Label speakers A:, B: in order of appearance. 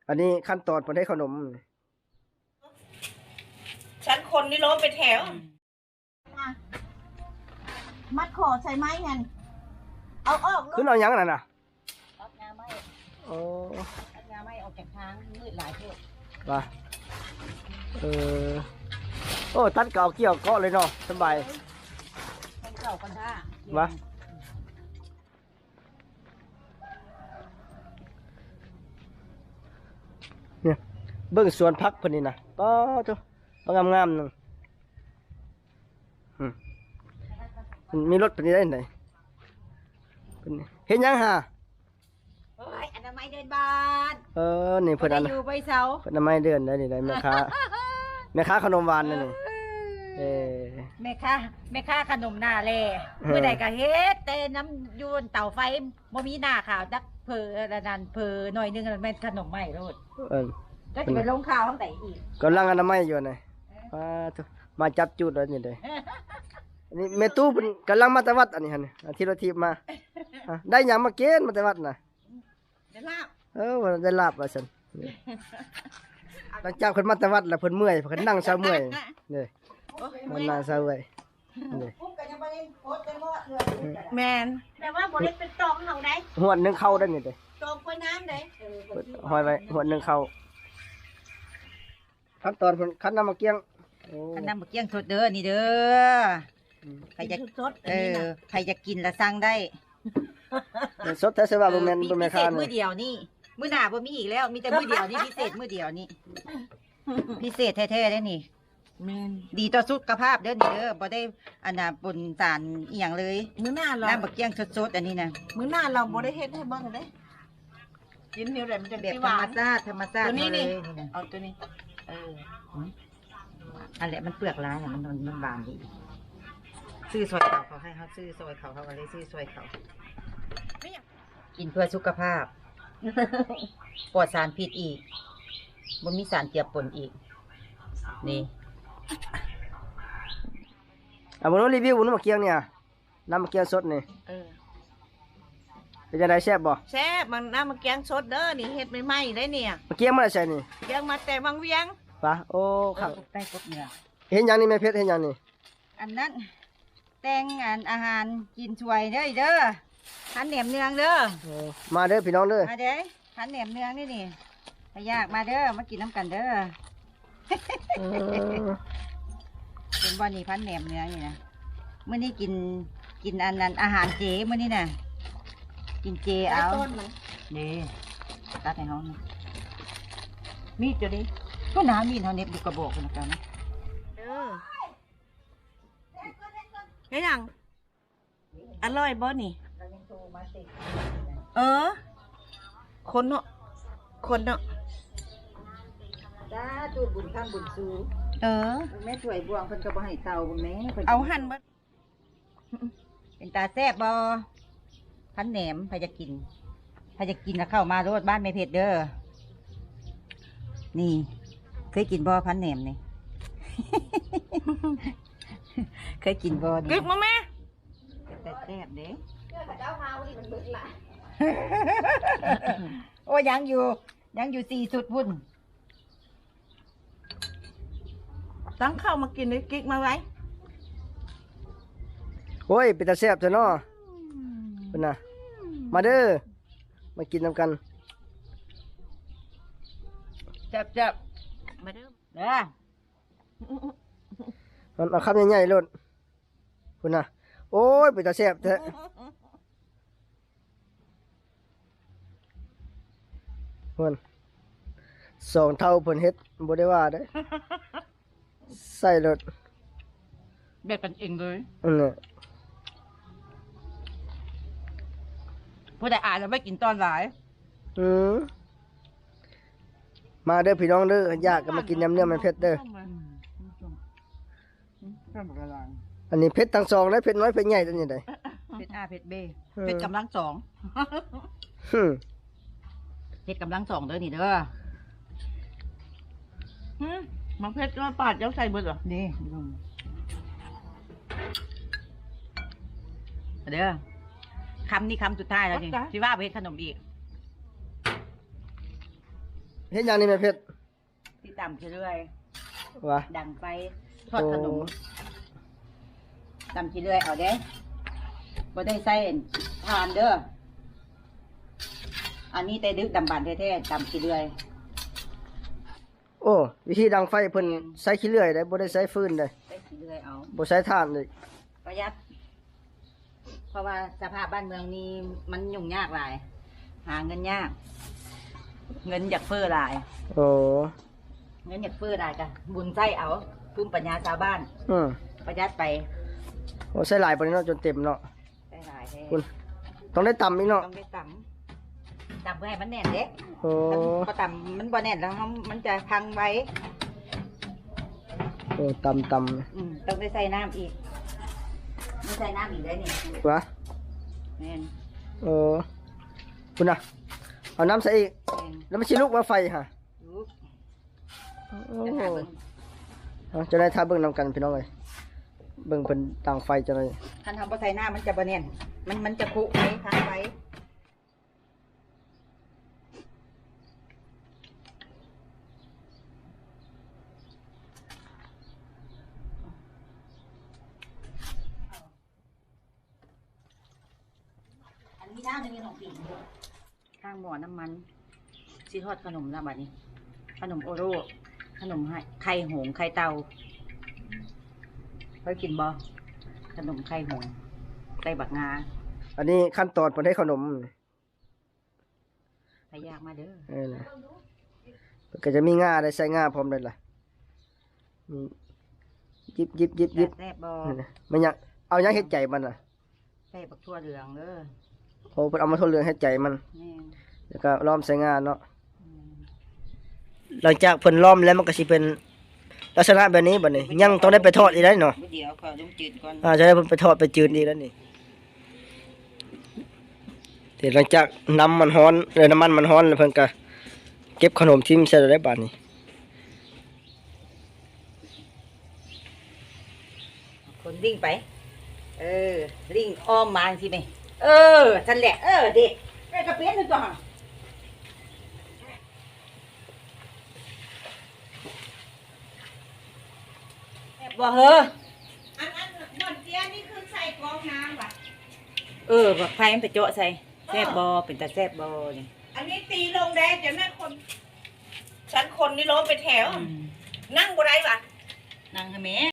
A: อันนี้ขั้นตอนเพิ่นให้ขนม
B: ฉันคนนี่ล้มไปแถว
C: มัดคอใส่ไม้ไงเอาออก
A: ขึ้นเอาหยังนั่นน่ะ
C: ตัดงาไม้
A: โอ้
C: ตัดงาไม้ออกจากทางมืดหลายเท่า
A: ว่าโอ้ตัดเก่าเกี่ยวเกาะเลยเนาะสบาย
C: คนเก่าคนท่า
A: ว่าเนี่ยเบิ่งสวนพักเพิ่นนี่นะป้าเจ้างามๆนึงมีรถเพิ่นได้ไหนเพิ่นเห็นยังฮะ
C: โอ้ยอนามัยเดินบาน
A: นี่เพิ่นอัน
C: อยู่ใบเสา
A: เพิ่นอนามัยเดินได้นี่ได้แม่ค้าแม่ค้าขนมหวานนั่นนี่
C: แม่ค้าขนมหน้าแลเมื่อใดก็เฮ็ดแต่น้ำยูนเตาไฟบ่มีหน้าขาวจักเพอนั่นเพอหน่อยนึงแม่นขนมใหม่โลดก็จะไปลงข่าวทั้งแต่อีก
A: กำลังอนามัยอยู่นี่มาจับจุดแล้วนี่เด้อันนี้แม่ตู้เพิ่นกำลังมาแต่วัดอันนี้หั่นที่รถทีบมาได้หยังมาเกณฑ์มาแต่วัดน่ะ
C: ได้ลาบ
A: ว่าได้ลาบว่าซั่นหลังจากเพิ่นมาแต่วัดแล้วเพิ่นเมื่อยเพิ่นนั่งเซาเมื่อยนี่มันนั่งเซาเมื่อยนี่
C: แมนแต่ว่าบ่ได้เป็นตองเฮาได้
A: หวดนึงเข้าได้นี่เด้
C: ตองกล้วยน้ำได้
A: หอยไว้หวดนึงเข้าขั้นตอนเพิ่นคั้นน้ำมะเกียง
C: คั้นน้ำมะเกียงสดเด้อนี่เด้อใครจะใครจะกินละสั่งได้
A: สดแท้สิว่าบ่แม่นบ่แม่นค้า
C: มื้อเดียวนี่มื้อหน้าบ่มีอีกแล้วมีแต่มื้อเดียวนี่พิเศษมื้อเดียวนี่พิเศษแท้ๆได้นี่ดีต่อสุขภาพเด้อนี่เด้อบ่ได้อันน่ะปนสารอีหยังเลย
B: มื้อหน้าเรา
C: น้ำมะเกียงสดๆอันนี้นะ
B: มื้อหน้าเราบ่ได้เฮ็ดให้เบิ่งเด้กินเดียวได้มันจะ
C: แบบธรรมชาติตัวนี้นี่
B: เอาตัวนี้
C: อันแหละมันเปลือกร้ายมันบางดีซื้อซอยเขาให้เขาซื้อซอยเขาก็เลยซื้อซอยเขากินเพื่อสุขภาพปลอดสารพิษอีกบ่มีสารเจือปนอีกนี่
A: บ่รู้รีวิวน้ำมะเกียงเนี่ยน้ำมะเกียงสดนี่เป็นจังได๋แซ่บบ่
B: แซ่บมันน้ำมะเกียงสดเด้อนี่เฮ็ดใหม่ๆได้เนี่ย
A: มะเกียงมาได้ใส่นี่
B: เกียงมาแต่บางเวียง
A: ปะโอ้ครับ
C: ใต้กบเนื้อ
A: เห็นหยังนี่แม่เพชรเห็นหยังนี่
C: อันนั้นแต่งอาหารกินช่วยเด้อเด้อพันแหนมเนืองเด้อ
A: มาเด้อพี่น้องเด้อ
C: มาเด้อพันแหนมเนืองนี่ถ้ายากมาเด้อมากินน้ำกันเด้อเป็นบ่อนี่พันแหนมเนืองนี่นะเมื่อนี้กินอันนั้นอาหารเจเมื่อนี้น่ะกินเจเอานี่ตัดให้เขามีดจะดิก็น้ำมีดเขาเน็บดูกระบอกกันนะ
B: เฮ็ดหยังอร่อยบ่นี่คนเนาะ
C: จ้าจูบุญข้ามบุญซูแม่ถวยบวงเพิ่นก็บ่ให้เตาบ่แม่
B: เอาหั่นบ่
C: เป็นตาแซ่บบ่พันแหนมใครจะกินแล้วเข้ามาโรดบ้านแม่เพชรเด้อนี่เคยกินบ่พันแหนมนี่ เคยกินบ่นี่
B: กึกมาแม่
C: แต่แซ่บเด้โอ้ยังอยู่4สุดพุ่น
B: ตั้งข้าวมากินเลยกิ๊กมาไว้
A: โอ้ยเป็นตาแซ่บซะเนาะเพิ่นน่ะมาเด้อมากินนำกัน
B: แซ่บมาเด้อ
A: เอาคำใหญ่ๆโลดเพิ่นน่ะโอ้ยเป็นตาแซ่บแท้เพิ่น2เท่าเพิ่นเฮ็ดบ่ได้ว่าเด้ใส่รถ
B: แบบกันเองเลย
A: น่ะ
B: ผู้ใดอ่านแล้วไม่กินตอนหลาย
A: มาเด้อพี่น้องเด้ออยากก็มากินยำเนื้อมันเผ็ดเด้ออันนี้เผ็ดทั้งสองและเผ็ดน้อยเผ็ดใหญ่ตัวนี้ได้
C: เผ็ดเผ็ดเบเผ็ดกำลังสองเผ็ดกำลังสองเด้อนี่เด้อ
B: มันเผ็ดก็ปาดเจ้าใส่เบิดเหรอ
C: นี่เด้อคำนี้คำสุดท้ายแล้วนี่ที่ว่าเผ็ดขนมอีก
A: เฮ็ดหยังนี่แม่เพชร
C: ที่ต่ำเรื่อย
A: ว่า
C: ดังไฟทอดขนมต่ำเรื่อยเอาเด้บ่ได้ใส่ทานเด้ออันนี้แต่ดึกดำบรรพ์แท้ๆต่ำเรื่อย
A: โอ้วิธีดังไฟเพิ่นใช้ขี้เลื่อยได้บ่ได้ใช้ฟืนได้
C: ใส่เรื่อยเอา
A: บ่ใช้ถ่านเลย
C: ประหยัดเพราะว่าสภาพบ้านเมืองนี้มันยุ่งยากหลาย หาเงินยาก เงินอยากเฟ้อหลาย
A: โอ้
C: เงินอยากเฟ้อหลายจ้ะบุญใส่เอาภูมิปัญญาชาวบ้าน
A: อืม
C: ประหยัดไป
A: โอ้ใช้หลายปานนี้เนาะจนเต็มเนาะ
C: ใส่หลายแท้
A: คุณต้องได้ตำอีกเนาะ
C: ต้องได้ต่ำเพื่อให้มันแน่นเด็ก
A: โอ้
C: พอต่ำมันบ่แน่นแล้วมันจะพังไว้
A: โอ้ตำ
C: ต้องได้ใส่น้ำอีกไม่ใส่น้ำอีกได้นี่
A: วะ
C: แม่น
A: โอ้คุณน่ะเอาน้ำใส่อีก
C: แม่น
A: แล้วมันสิลุกมาไฟฮะ
C: ลูก
A: โอ้
C: จะหาเบิ่ง
A: เอาจะได้ท่าเบิ่งนำกันพี่น้องเอ้ยเบิ่งเพิ่นต่างไฟจังได๋
C: คันทำบ่ใส่น้ำมันจะบ่แน่นมันจะคุไว้พังไว้อันนี้น้ำมีของปีข้างหม้อน้ำมันสิทอดขนมแล้วบัดนี้ ขนมโอโร่ขนมไข่หงส์ไข่เตาเคยกินบ่ขนมไข่หงส์ไข่บักงา
A: อันนี้ขั้นตอนเพิ่นให้ขนม
C: ไปยากมาเด้อ
A: นะมันก็จะมีง่าได้ใส่ง่าพร้อมได้ล่ะมียิบ
C: แซ่บบ่
A: นั่นน่ะมันยังเอายังเฮ็ดใจมันน่ะ
C: ใส่บักทั่วเหลืองเด้อ
A: โอ้เพิ่นเอามาทดเรืองเฮ็ดใจมัน
C: แม่น
A: แล้วก็ล้อมใส่ง่าเนาะ
C: อืม
A: หลังจากเพิ่นล้อมแล้วมันก็สิเป็นลักษณะแบบนี้บัดนี้ยังต้องได้ไปทอดอีกได้เนาะ
C: เดี๋ยวขอต้มจืดก่อน
A: จะได้เพิ่นไปทอดไปจืดอีกแล้วนี่เดี๋ยวหลังจากน้ำมันร้อนน้ำมันมันร้อนแล้วเพิ่นก็เก็บขนมทิ่มใส่ได้บัดนี้
C: คนวิ่งไป วิ่งอ้อมมาสิแม่นั่นแหละเด็กกระเปี๊ยนนึงก่อนบ่เฮอ
B: อันบ่อนเตี้ยนี่คือใส่กรองน้ำว่ะ
C: บักไฟมันไปเจาะใส่แซ่บบ่เป็นตาแซ่บบ่นี่
B: อันนี้ตีลงแดงจะแม่คนฉันคนนี่ล้มไปแถว นั่งบ่ได้ว่ะ
C: นั่งให้แม่